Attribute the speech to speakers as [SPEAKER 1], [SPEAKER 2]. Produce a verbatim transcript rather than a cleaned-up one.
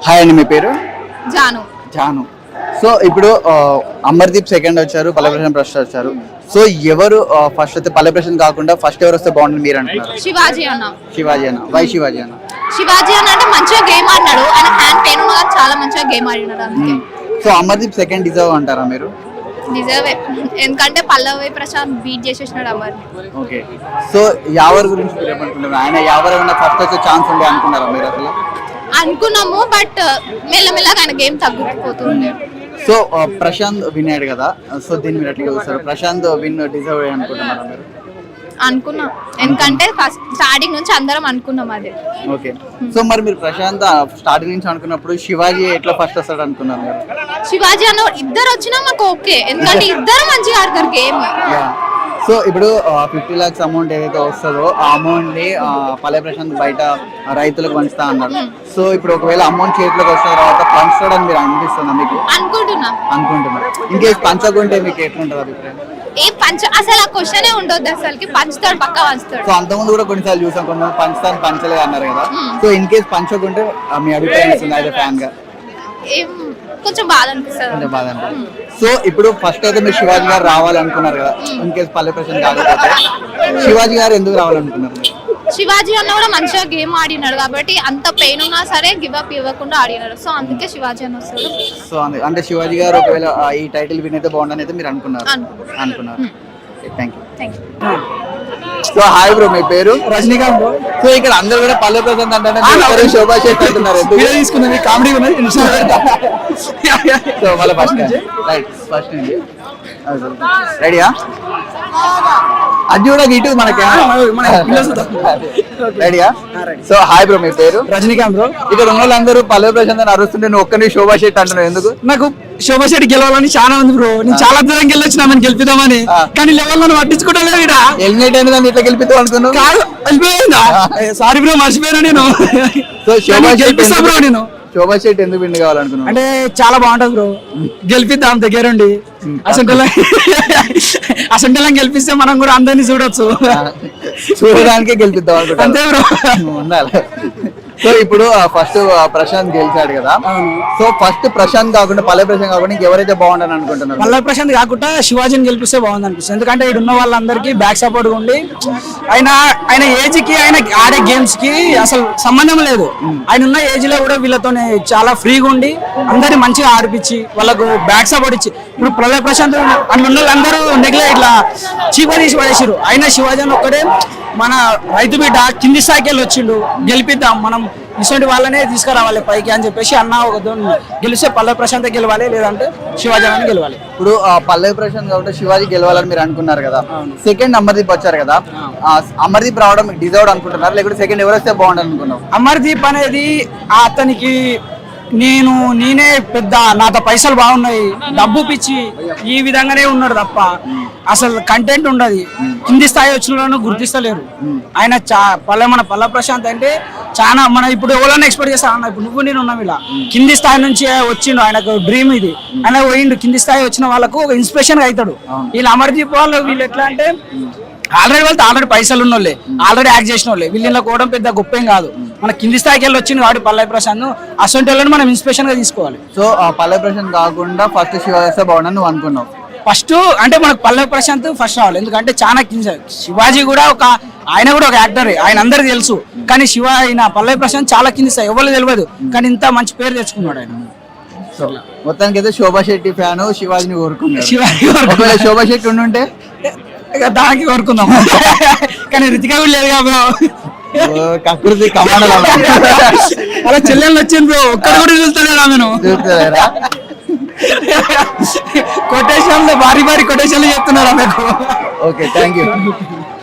[SPEAKER 1] Hi అండి, మీ పేరు?
[SPEAKER 2] Janu.
[SPEAKER 1] Janu. So ఇప్పుడు అమర్దీప్ సెకండ్ వచ్చారు, పల్లె ప్రశాంత్ ఫస్ట్ వచ్చారు. సో ఎవరు ఫస్ట్ అయితే పల్లె ప్రశాంత్ కాకుండా ఫస్ట్ ఎవరు వస్తే బాగుంటుంది మీరు అంటున్నారు?
[SPEAKER 2] శివాజీ అన్న.
[SPEAKER 1] శివాజీ అన్న. వై శివాజీ అన్న?
[SPEAKER 2] శివాజీ అన్న అంటే మంచిగా గేమ్ ఆడినాడు, ఆయన హ్యాండ్ పెయిన్ ఉన్నా కానీ చాలా మంచిగా గేమ్ ఆడినాడు అందుకే.
[SPEAKER 1] సో అమర్దీప్ సెకండ్ డిజర్వ్ అంటారా మీరు?
[SPEAKER 2] నిజమే, ఎందుకంటే పల్లవి ప్రశాంత్ బీట్ చేసేసినాడు అమర్ని.
[SPEAKER 1] ఓకే. సో యావర్ గురించి మీరు ఏమనుకుంటున్నారు? ఆయన యావర్ ఏమన్నా ఫస్ట్ వచ్చే ఛాన్స్ ఉండే అనుకున్నారా మీరు అసలు?
[SPEAKER 2] అనుకున్నాము, బట్ మెల్లమెల్లగా ఆయన గేమ్ తగ్గిపోతుంది.
[SPEAKER 1] సో ప్రశాంత్ విన్ అయ్యాడు కదా, సో దీన్ని మీరు ఎట్లా చూస్తారు? ప్రశాంత్ విన్ డిజర్వ్ అనుకుంటున్నారా మీరు?
[SPEAKER 2] అనుకున్నాం, ఎందుకంటే ఫస్ట్ స్టార్టింగ్ నుంచి అందరం అనుకున్నాం అది.
[SPEAKER 1] ఓకే. సో మరి మీరు ప్రశాంత్ స్టార్టింగ్ నుంచి అనుకున్నప్పుడు శివాజీ ఎట్లా ఫస్ట్ వస్తాడు అనుకున్నారు మీరు?
[SPEAKER 2] శివాజీ అన్న ఇద్దరు వచ్చినా మాకు ఓకే, ఎందుకంటే ఇద్దరు మంచిగా ఆడతారు గేమ్.
[SPEAKER 1] సో ఇప్పుడు ఫిఫ్టీ లాక్స్ అమౌంట్ ఏదైతే వస్తుందో ఆ అమౌంట్ ని పల్లె ప్రశాంత్ బయట రైతులకు పంచుతా అన్నారు. సో ఇప్పుడు ఒకవేళ అమౌంట్ చేతిలోకి వచ్చిన తర్వాత పంచుతాడని మీరు అనిపిస్తుందా మీకు?
[SPEAKER 2] అనుకుంటున్నా
[SPEAKER 1] అనుకుంటున్నారు. ఇంకేసి పంచకుంటే మీకు ఎట్లుంటుంది అభిప్రాయం?
[SPEAKER 2] ఏ పంచ అసలు ఆ క్వశ్చనే ఉండొద్దు, అసలుకి పంచుతాడు, పక్క పంచుతాడు.
[SPEAKER 1] సో అంతకుముందు కూడా కొన్నిసార్లు చూసాం, కొంతమంది పంచుతాను పంచలేదు అన్నారు కదా. సో ఇన్ కేసు పంచకుంటే మీ అభిప్రాయం ఇస్తుంది అయితే ఫ్యాన్ గా?
[SPEAKER 2] ఏం కొంచెం బాధ అనిపిస్తుంది.
[SPEAKER 1] కొంచెం బాధ అనిపిస్తుంది. సో ఇప్పుడు ఫస్ట్ అయితే మీరు శివాజీ గారు రావాలనుకున్నారు కదా, ఇన్ కేసు పల్లె ప్రశాంత్ కాకపోతే శివాజీ గారు ఎందుకు రావాలనుకున్నారు?
[SPEAKER 2] శివాజీ అన్న కూడా మంచిగా గేమ్ ఆడినాడు కాబట్టి అంత పెయిన్ ఉన్నా సరే గివ్ అప్ ఇవ్వకుండా ఆడినాడు, సో అందుకే శివాజీ అన్న వస్తాడు.
[SPEAKER 1] సో అంటే శివాజీ గారు ఒకవేళ ఈ టైటిల్ విన్ అయితే బాగుండని అయితే మీరు అనుకున్నారు? అనుకున్నారు. Thank you.
[SPEAKER 2] Thank you.
[SPEAKER 1] So hi bro, మీ పేరు?
[SPEAKER 3] రజనీకాంత్ బ్రో.
[SPEAKER 1] సో ఇక్కడ అందరూ కూడా పల్లె ప్రశాంత్ అంటే శోభా శెట్టి అంటున్నారు.
[SPEAKER 3] తీసుకున్నది కామెడీ ఉన్నది.
[SPEAKER 1] సో మళ్ళీ ఫస్ట్ రైట్ ఫస్ట్ నుంచి రెడీయా? అది కూడా ఇటు మనకి రెడీయా? సో హాయ్ బ్రో, మీ పేరు?
[SPEAKER 3] రజనీకాంత్ బ్రో.
[SPEAKER 1] ఇక్కడ ఉన్న వాళ్ళందరూ పల్లె ప్రశాంత్ అని అరుస్తుంటే నువ్వు ఒక్కని శోభా శెట్టి అంటున్నావు ఎందుకు?
[SPEAKER 3] నాకు శోభా శెట్టి గెలవాలని చాలా ఉంది బ్రో, నేను చాలా దూరం గెలొచ్చినా మనం గెలిపిద్దామని, కానీ లెవెల్ నన్ను పట్టించుకోవడం ఇక్కడ
[SPEAKER 1] ఎలిమినేట్ అయిన దాన్ని ఇట్లా గెలిపిద్దాం అనుకున్నావు?
[SPEAKER 3] కాదు, వెళ్ళిపోయిందా? సారీ బ్రో, మర్చిపోయినా నేను.
[SPEAKER 1] సో శోభా
[SPEAKER 3] గెలిపిస్తా బ్రో నేను.
[SPEAKER 1] శోభా శెట్టి ఎందుకు విన్ కావాలనుకున్నావు?
[SPEAKER 3] అంటే చాలా బాగుంటది బ్రో, గెలిపిద్దాం దగ్గరుండి. అసలు అసలు గెలిపిస్తే మనం కూడా అందరినీ చూడొచ్చు,
[SPEAKER 1] చూడడానికే గెలిపిద్దాం అనుకుంటా.
[SPEAKER 3] అంతే బ్రో,
[SPEAKER 1] ఉండాలి. సో ఇప్పుడు ఫస్ట్ ప్రశాంత్ గెలిచాడు కదా, సో ఫస్ట్ ప్రశాంత్ కాకుండా పల్లె ప్రశాంత్ కాకుండా ఎవరైతే బాగుండని అనుకుంటున్నారు?
[SPEAKER 3] పల్లె ప్రశాంత్ కాకుండా శివాజీని గెలిపిస్తే బాగుంది అనిపిస్తుంది, ఎందుకంటే ఇక్కడ ఉన్న వాళ్ళందరికీ బ్యాక్ సపోర్ట్ ఉండి ఆయన ఆయన ఏజ్ కి ఆయన ఆడే గేమ్స్ కి అసలు సంబంధం లేదు. ఆయన ఉన్న ఏజ్ లో కూడా వీళ్ళతోనే చాలా ఫ్రీగా ఉండి అందరినీ మంచిగా ఆడిపించి వాళ్ళకు బ్యాక్ సపోర్ట్ ఇచ్చి, ఇప్పుడు పల్లె ప్రశాంత్ అని ఉన్న వాళ్ళందరూ నెగ్లే ఇట్లా చీప తీసి పడేసారు. అయినా శివాజీ ఒక్కడే మన రైతు బిడ్డ కింది స్థాయికి వెళ్ళి వచ్చిండు, గెలిపిద్దాం మనం ఇటువంటి వాళ్ళనే తీసుకురావాలి పైకి అని చెప్పేసి అన్న ఒక గెలిస్తే పల్లె ప్రశాంత్ గెలవాలి, లేదంటే శివాజీ అని గెలవాలి.
[SPEAKER 1] ఇప్పుడు పల్లె ప్రశాంత్ కాబట్టి శివాజీ గెలవాలని మీరు అనుకున్నారు కదా, సెకండ్ అమర్దీప్ వచ్చారు కదా, అమర్దీప్ రావడం డిజర్వ్ అనుకుంటున్నారు లేకపోతే సెకండ్ ఎవరు వస్తే బాగుంటుంది అనుకున్నావు?
[SPEAKER 3] అమర్దీప్ అనేది అతనికి నేను నేనే పెద్ద నాతో పైసలు బాగున్నాయి డబ్బు పిచ్చి ఈ విధంగానే ఉన్నాడు తప్ప అసలు కంటెంట్ ఉండదు. కింది స్థాయి వచ్చిన వాళ్ళను గుర్తిస్తలేరు. ఆయన చా పల్లె మన పల్లె ప్రశాంత్ అంటే చాలా మన ఇప్పుడు ఎవరైనా ఎక్స్పెక్ట్ చేస్తా అన్న, ఇప్పుడు నువ్వు నేను ఉన్నాం ఇలా కింది స్థాయి నుంచి వచ్చిండు, ఆయనకు డ్రీమ్ ఇది, ఆయన పోయిండు కింది స్థాయి వచ్చిన వాళ్ళకు ఒక ఇన్స్పిరేషన్ గా అవుతాడు. వీళ్ళు అమర్దీప్ వాళ్ళు వీళ్ళు ఎట్లా అంటే ఆల్రెడీ వాళ్ళతో ఆల్రెడీ పైసలు ఉన్న వాళ్ళే, ఆల్రెడీ యాక్ట్ చేసిన వాళ్ళే, వీళ్ళ కూడా పెద్ద గొప్ప ఏం కాదు. మన కింది స్థాయికి వెళ్ళి వచ్చింది కాబట్టి పల్లె ప్రశాంత్ అసొంటి వాళ్ళని మనం ఇన్స్పిరేషన్ గా తీసుకోవాలి.
[SPEAKER 1] సో పల్లె ప్రశాంత్ కాకుండా ఫస్ట్ శివాజీ వస్తే బాగుండని నువ్వు అనుకున్నావు?
[SPEAKER 3] ఫస్ట్ అంటే మనకు పల్లె ప్రశాంత్ ఫస్ట్ రావాలి, ఎందుకంటే చాలా కింద. శివాజీ కూడా ఒక ఆయన కూడా ఒక యాక్టరే, ఆయన అందరికి తెలుసు, కానీ శివ ఆయన పల్లె ప్రశాంత్ చాలా కింది స్థాయి, ఎవరు తెలియదు, కానీ ఇంత మంచి పేరు తెచ్చుకున్నాడు ఆయన.
[SPEAKER 1] సో మొత్తానికి అయితే శోభా శెట్టి ఫ్యాన్ శివాజీని కోరుకున్నాడు.
[SPEAKER 3] శివాజీ
[SPEAKER 1] శోభా శెట్టి ఉండుంటే
[SPEAKER 3] దానికి కోరుకుందాం, కానీ రితిక కూడా లేదు కదా
[SPEAKER 1] కకృతి కమాండలు
[SPEAKER 3] అలా చెల్లెళ్ళు వచ్చింది బ్రో, ఒక్కరు కూడా చూస్తలేరు ఆమెను. కొటేషన్లు భారీ భారీ కొటేషన్లు చెప్తున్నారు ఆమెకు.
[SPEAKER 1] Okay, thank you.